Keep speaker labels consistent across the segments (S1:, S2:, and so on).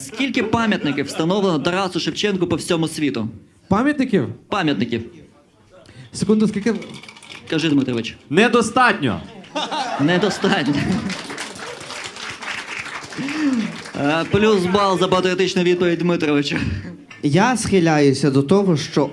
S1: Скільки пам'ятників встановлено Тарасу Шевченку по всьому світу?
S2: Пам'ятників?
S1: Пам'ятників.
S2: Секунду, скільки?
S1: Кажи, Дмитрович.
S3: Недостатньо.
S1: Недостатньо. Плюс бал за патріотичну відповідь Дмитровича.
S4: Я схиляюся до того, що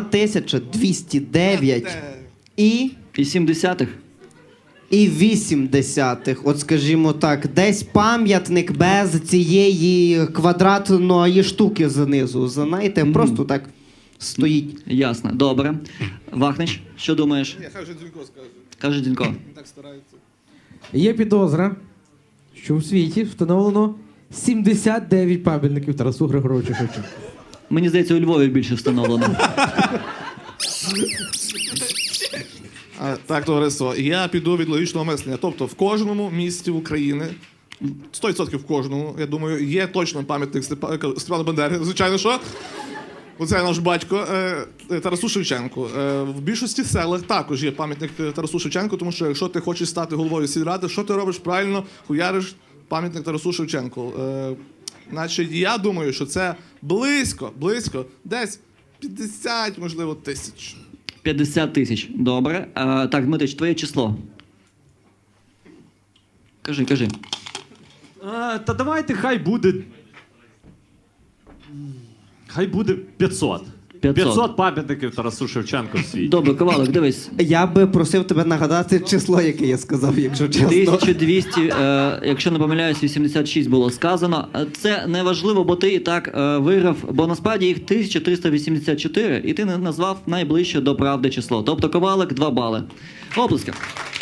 S4: 1209
S1: І 70-х.
S4: і 80-х, от скажімо так, десь пам'ятник без цієї квадратної штуки знизу. Знаєте, просто так стоїть.
S1: Ясно. Добре. Вахнич, що думаєш?
S5: Хай вже Дзюнько скаже.
S1: Каже Дінко.
S5: Він так старається.
S2: Є підозра, що в світі встановлено 79 пам'ятників Тарасу Григоровичу Шевченку.
S1: Мені здається, у Львові більше встановлено.
S5: Так, товариство, я піду від логічного мислення. Тобто в кожному місті України, 100% в кожному, я думаю, є точно пам'ятник Степану Бандері. Звичайно, що? Оце наш батько Тарасу Шевченку. В більшості селах також є пам'ятник Тарасу Шевченку, тому що якщо ти хочеш стати головою сільради, що ти робиш правильно? Хуяриш пам'ятник Тарасу Шевченку. Значить, я думаю, що це близько, десь 50, можливо, тисяч.
S1: 50 тисяч. Добре. Так, Дмитрич, твоє число. Кажи.
S3: Та давайте хай буде... Хай буде 500. 500 пам'ятників Тарасу Шевченку в світі.
S1: Добре, Ковалик, дивись.
S4: Я би просив тебе нагадати число, яке я сказав, якщо чесно.
S1: 1200, якщо не помиляюсь, 86 було сказано. Це не важливо, бо ти і так виграв, бо насправді їх 1384, і ти не назвав найближче до правди число. Тобто Ковалик 2 бали. Оплески.